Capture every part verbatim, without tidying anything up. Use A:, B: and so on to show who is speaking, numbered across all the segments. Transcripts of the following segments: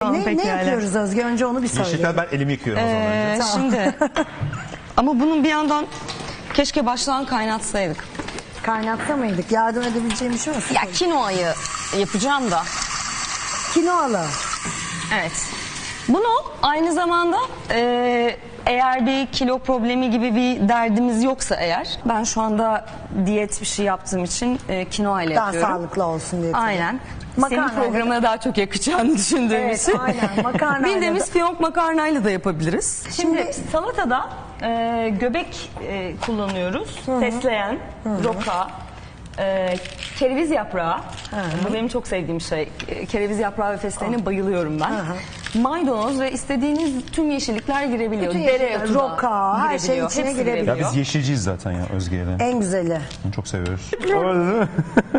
A: Tamam,
B: ne,
A: peki
B: ne
A: öyle.
B: yapıyoruz Özge? Önce onu bir söyle.
C: Yeşillikler ben elimi yıkıyorum o zaman
A: Ee,
C: önce.
A: şimdi ama bunun bir yandan keşke baştan kaynatsaydık.
B: Kaynatta mıydık? Yardım edebileceğim bir şey olsun.
A: Ya kinoayı yapacağım da.
B: Kinoalı.
A: Evet. Bunu aynı zamanda e, eğer bir kilo problemi gibi bir derdimiz yoksa eğer, ben şu anda diyet bir şey yaptığım için e, kinoa ile
B: Daha
A: yapıyorum.
B: sağlıklı olsun diye.
A: Aynen.
B: Makarnayla-
A: Senin programına daha çok yakacağını düşündüğüm
B: Evet,
A: için.
B: aynen. Makarnayla
A: Bildiğimiz
B: da-
A: fiyonk makarnayla da yapabiliriz. Şimdi,
B: Şimdi-
A: salatada e, göbek e, kullanıyoruz. Fesleğen, roka, e, kereviz yaprağı. Bu benim çok sevdiğim şey. E, Kereviz yaprağı ve fesleğene bayılıyorum ben. Maydanoz ve istediğiniz tüm yeşillikler girebiliyor.
B: Bütün yeşillikler,
A: Dereotu da
B: roka, her şey
A: girebiliyor.
B: içine
A: Hepsi
B: girebiliyor.
C: Ya biz yeşilciyiz zaten ya Özge'yle.
B: En güzeli.
C: Onu çok seviyoruz. Öyle değil mi?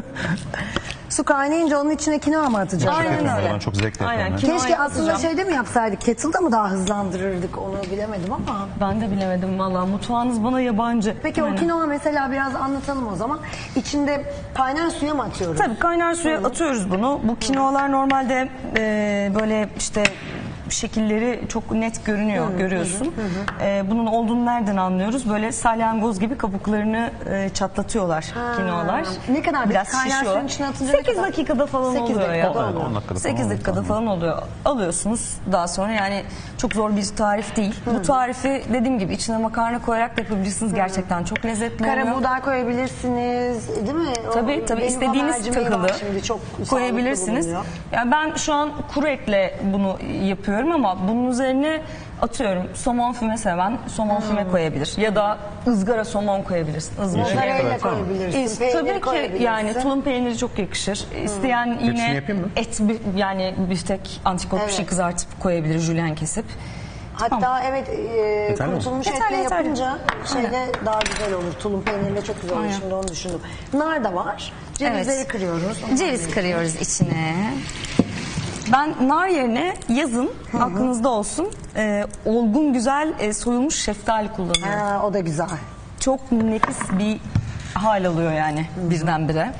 B: Su kaynayınca onun içine kinoa mı atacağız?
A: Aynen
C: Çok
A: öyle.
C: Ben çok zevkle
A: Aynen.
C: yapıyorum.
A: Kinoa
B: Keşke aslında
A: yapacağım.
B: şeyde mi yapsaydık? Kettle'da mı daha hızlandırırdık onu bilemedim ama.
A: Ben de bilemedim valla. Mutfağınız bana yabancı.
B: Peki o
A: Aynen.
B: kinoa mesela biraz anlatalım o zaman. İçinde kaynar suya mı atıyoruz?
A: Tabii kaynar suya atıyoruz bunu. Bu kinoalar normalde e, böyle işte şekilleri çok net görünüyor, görüyorsun. E, bunun olduğunu nereden anlıyoruz? Böyle salyangoz gibi kabuklarını e, çatlatıyorlar kinoalar.
B: Ne kadar
A: biraz
B: kaynar
A: şişiyor.
B: suyun içine atınca ne
A: sekiz
B: kadar?
A: dakikada falan
B: sekiz
A: oluyor ya.
B: dakikada
C: Evet,
B: oluyor.
C: on dakikada falan
A: sekiz
C: oluyor.
A: dakikada falan oluyor. Alıyorsunuz daha sonra, yani çok zor bir tarif değil. Bu tarifi dediğim gibi içine makarna koyarak da yapabilirsiniz. Gerçekten çok lezzetli oluyor.
B: Kara buğday koyabilirsiniz, değil mi? O
A: Tabii tabii
B: benim
A: istediğiniz
B: habercimeği
A: tahılı
B: var şimdi, çok sağlıklı
A: koyabilirsiniz.
B: bulunuyor.
A: Yani ben şu an kuru etle bunu yapıyorum ama bunun üzerine atıyorum somon füme seven somon füme koyabilir ya da ızgara somon koyabilirsin. Izgara.
B: Mozzarella
C: Evet, tamam.
B: koyabilirsin,
A: İst-
B: peynir
A: tabii ki
B: koyabilirsin.
A: yani tulum peyniri çok yakışır. İsteyen yine
C: yapayım mı?
A: et bi- yani biftek antrikot bir şey
B: Evet.
A: kızartıp koyabilir, jülyen kesip.
B: Hatta
A: Tamam.
B: evet e,
C: mi?
B: kurutulmuş
A: Yeterli,
B: etle
A: yeterli.
B: yapınca şeyde daha güzel olur. Tulum peynirle çok güzel olur.
A: Aynen.
B: Şimdi onu düşündüm. Nar da var. Cevizleri
A: Evet.
B: kırıyoruz.
A: Ceviz kırıyoruz içine. Ben nar yerine yazın aklınızda olsun e, olgun güzel e, soyulmuş şeftali kullanıyorum.
B: Ha, o da güzel.
A: Çok nefis bir hal alıyor yani birdenbire.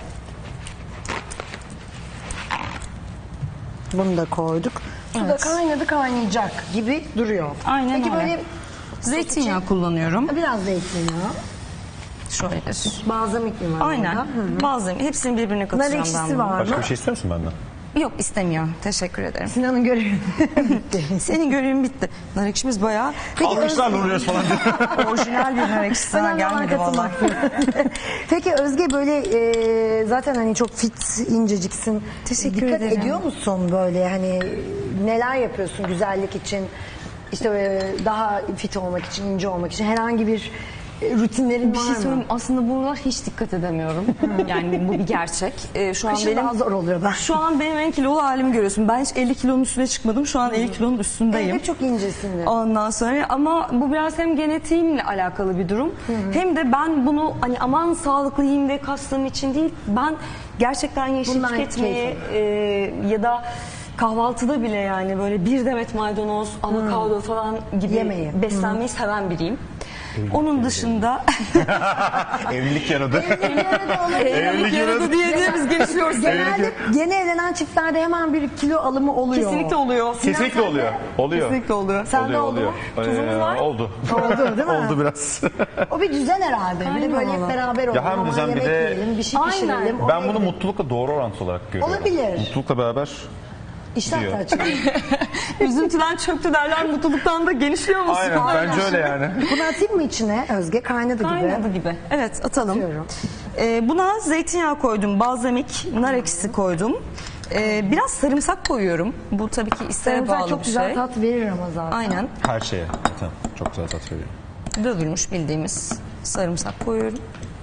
B: Bunu da koyduk. Su da
A: Evet.
B: kaynadı kaynayacak gibi duruyor.
A: Aynen
B: Peki
A: öyle.
B: böyle
A: Zeytinyağı kullanıyorum.
B: biraz zeytinyağı.
A: Şöyledir.
B: Balzamik mi var
A: Aynen.
B: orada?
A: Bazı hepsini birbirine
B: Nar
A: katacağım ben
B: ekşisi
A: bunu.
B: var
C: Başka
B: mı?
C: bir şey istiyor musun benden?
A: Yok, istemiyor. Teşekkür ederim.
B: Sinan'ın görevi bitti.
A: Senin görevin bitti. Nar ekşimiz bayağı
C: Alkışlarla vuruyoruz falan diye.
A: orijinal bir nar ekşisi. Ha,
B: Önemli olan
A: gelmedi valla.
B: katılmak. Peki Özge böyle e, zaten hani çok fit, inceciksin.
A: Teşekkür
B: Dikkat
A: ederim.
B: ediyor musun böyle hani neler yapıyorsun güzellik için? İşte böyle daha fit olmak için, ince olmak için herhangi bir e, rutinlerin
A: Bir
B: var
A: şey
B: mı?
A: söyleyeyim, aslında buralar hiç dikkat edemiyorum. Yani bu bir gerçek. Ee, şu an
B: Kışın
A: benim
B: daha zor oluyor ben.
A: Şu an benim en kilolu halimi görüyorsun. Ben hiç elli kilonun üstüne çıkmadım. Şu an elli kilonun üstündeyim.
B: Evet, çok incesin.
A: Ondan sonra ama bu biraz hem genetiğimle alakalı bir durum. Hem de ben bunu hani aman sağlıklı yiyeyim ve kastığım için değil. Ben gerçekten yeşil
B: Bundan
A: tüketmeyi
B: keyif
A: e, ya da kahvaltıda bile yani böyle bir demet maydanoz, avokado falan gibi
B: Yemeği.
A: beslenmeyi seven biriyim. Onun dışında
C: Evlilik yaradı.
A: evlilik yaradı diye diye biz gelişiyoruz.
B: Genelde yeni evlenen çiftlerde hemen bir kilo alımı oluyor.
A: Kesinlikle oluyor.
C: Kesinlikle oluyor. Oluyor.
A: Kesinlikle oluyor.
B: Sende
C: Oluyor,
B: oldu
C: oluyor.
B: mu?
A: Tuzumuz var.
C: Oldu.
B: Oldu değil mi?
C: Oldu biraz.
B: O bir düzen herhalde. Bir de
A: Aynen
B: böyle hep
A: valla.
B: beraber olalım.
C: hem
B: aman
C: düzen bir
B: yemek
C: de-
B: yiyelim, bir şey
A: Aynen.
B: pişirelim.
C: Ben
B: oraya
C: bunu
B: gidelim.
C: mutlulukla doğru orantılı olarak görüyorum.
B: Olabilir.
C: Mutlulukla beraber
B: İştah
C: diyor.
B: da açılıyor.
A: Üzüntüden çöktü derler, mutluluktan da genişliyor musun?
C: aynen bence öyle yani.
B: Bunu atayım mı içine Özge? Kaynadı gibi.
A: Kaynadı gibi. Evet, atalım.
B: Atıyorum.
A: Ee, buna zeytinyağı koydum, balzamik, nar ekşisi koydum. Ee, biraz sarımsak koyuyorum. Bu tabii ki isteğe
B: Sarımsak
A: bağlı
B: çok
A: bir
B: güzel
A: şey.
B: tat verir ama zaten.
A: Aynen.
C: Her şeye. Zaten çok güzel tat veriyor.
A: Dövülmüş bildiğimiz sarımsak koyuyorum.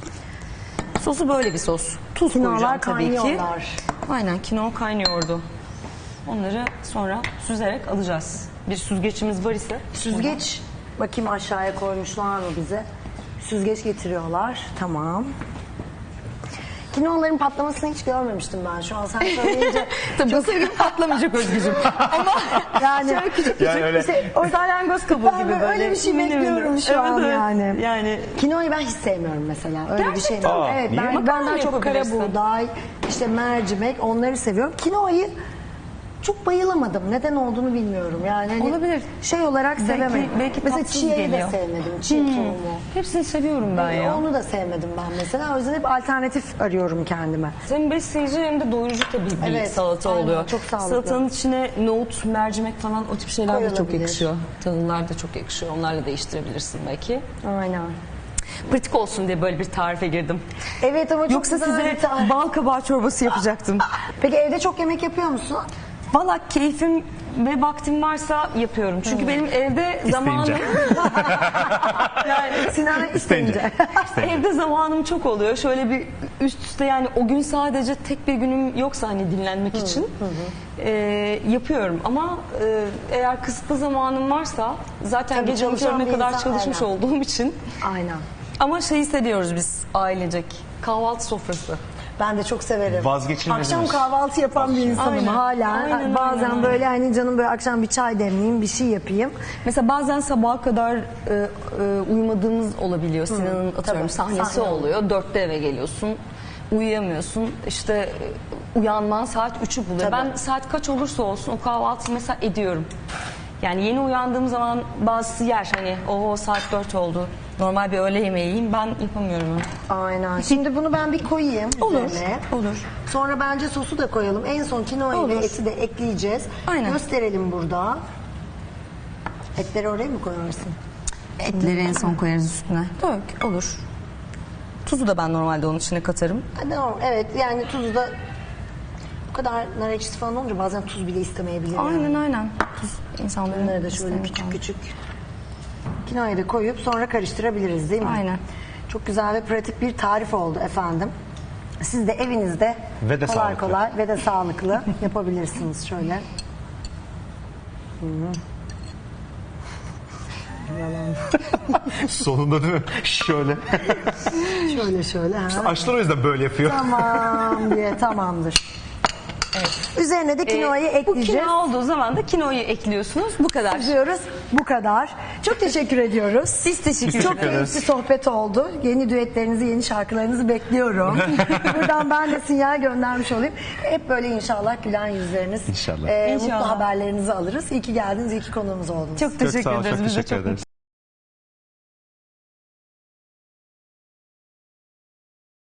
A: Sosu böyle bir sos. Tuz
B: Kinoalar
A: koyacağım tabii ki.
B: kaynıyorlar.
A: Aynen, kinoa kaynıyordu. Onları sonra süzerek alacağız. Bir süzgeçimiz var ise.
B: Süzgeç bakayım aşağıya koymuşlar mı bize? Süzgeç getiriyorlar. Tamam. Kinoaların patlamasını hiç görmemiştim ben. Şu an sen söyleyince
A: Tabii bu sevgim patlamayacak Özgücüm. Ama
B: yani
A: şöyle küçük
C: Yani öyle.
B: işte
A: o salyangoz kabuğu
B: Ben
A: gibi
B: böyle
A: böyle.
B: öyle bir şey
A: mini mini.
B: bekliyorum şu
A: Evet,
B: an
A: evet.
B: yani.
A: Yani
B: kinoayı ben hiç sevmiyorum mesela. Öyle bir şey.
A: Gerçekten
C: mi?
B: Evet,
C: Niye?
B: ben, ben
A: Makarna
B: daha çok kara
A: yapabilirsin.
B: buğday, işte mercimek onları seviyorum. Kinoayı çok bayılamadım. Neden olduğunu bilmiyorum. Yani hani
A: Olabilir.
B: şey olarak sevemedim.
A: belki
B: mesela
A: tatsız
B: chia'yı da
A: geliyor.
B: sevmedim. Chia tohumu.
A: Hepsini seviyorum ben ya.
B: Onu da sevmedim ben mesela. O yüzden hep alternatif arıyorum kendime.
A: Hem besleyici hem de doyurucu tabii bir
B: Evet,
A: salata
B: aynen,
A: oluyor.
B: çok sağlıklı.
A: Salatanın içine nohut, mercimek falan o tip şeyler de çok
B: Koyulabilir.
A: yakışıyor. Tahıllar da çok yakışıyor. Onlarla değiştirebilirsin belki.
B: Aynen.
A: Pratik olsun diye böyle bir tarife girdim.
B: Evet ama çok
A: Yoksa
B: güzel
A: size
B: bir tarif.
A: bal kabağı çorbası yapacaktım.
B: Peki evde çok yemek yapıyor musun?
A: Valla keyfim ve vaktim varsa yapıyorum. Çünkü benim evde zamanım... yani
B: Sinan isteyince.
A: evde zamanım çok oluyor. Şöyle bir üst üste yani o gün sadece tek bir günüm yoksa hani dinlenmek için e, yapıyorum. Ama e, eğer kısıtlı zamanım varsa zaten
B: Tabii
A: gece
B: çalışan
A: uykularına
B: bir
A: kadar
B: insan,
A: çalışmış
B: aynen.
A: olduğum için.
B: Aynen.
A: Ama şeyi seviyoruz biz ailecek. Kahvaltı sofrası.
B: Ben de çok severim.
C: Vazgeçilmezimiz.
B: Akşam kahvaltı yapan bir insanım
A: Aynen.
B: hala.
A: Aynen,
B: Bazen
A: aynen,
B: böyle hani canım böyle akşam bir çay demleyeyim, bir şey yapayım.
A: Mesela bazen sabaha kadar e, e, uyumadığımız olabiliyor. Sinan'ın atıyorum
B: tabii,
A: sahnesi
B: sahne
A: oluyor. Dörtte eve geliyorsun. Uyuyamıyorsun. İşte e, uyanman saat üçü buluyor.
B: Tabii.
A: Ben saat kaç olursa olsun o kahvaltıyı mesela ediyorum. Yani yeni uyandığım zaman bazısı yer hani o saat dört oldu. Normal bir öğle yemeği yiyeyim. Ben yapamıyorum onu.
B: Aynen. Şimdi bunu ben bir koyayım
A: Olur,
B: üzerine.
A: olur.
B: Sonra bence sosu da koyalım. En son kinoayı ve
A: Olur.
B: eti de ekleyeceğiz.
A: Aynen.
B: Gösterelim burada. Etleri oraya mı koyarsın?
A: Etleri en son koyarız üstüne. Dök, olur. Tuzu da ben normalde onun içine katarım.
B: Ha, tamam. Evet yani tuzu da bu kadar nar ekşisi falan olunca bazen tuz bile istemeyebilir. yani.
A: Aynen aynen. Tuz insanların
B: Bunları da şöyle
A: isteğine
B: küçük
A: kalmış.
B: küçük kinoayı da koyup sonra karıştırabiliriz değil mi?
A: Aynen.
B: Çok güzel ve pratik bir tarif oldu efendim. Siz de evinizde
C: Ve de
B: kolay
C: sağlıklı.
B: kolay ve de sağlıklı yapabilirsiniz şöyle.
C: Sonunda değil mi? Şöyle.
B: Şöyle şöyle. Ha.
C: Aşçılar o yüzden böyle yapıyor.
B: Tamam diye tamamdır. Üzerine de kinoayı
A: Ee, Bu
B: ekleyeceğiz.
A: kino olduğu zaman da kinoyu ekliyorsunuz. Bu kadar.
B: Diyoruz. Bu kadar. Çok teşekkür ediyoruz.
A: Biz teşekkür
C: Biz
B: Çok
C: teşekkür
A: ederiz.
B: keyifli sohbet oldu. Yeni düetlerinizi, yeni şarkılarınızı bekliyorum. Buradan ben de sinyal göndermiş olayım. Hep böyle inşallah gülen yüzleriniz,
C: İnşallah.
B: e,
A: İnşallah.
B: mutlu haberlerinizi alırız. İyi ki geldiniz, iyi ki konuğumuz oldunuz.
A: Çok
C: Çok
A: teşekkür
C: sağ ol,
A: ederiz.
C: çok
A: Biz de
C: teşekkür
A: çok
C: ederiz.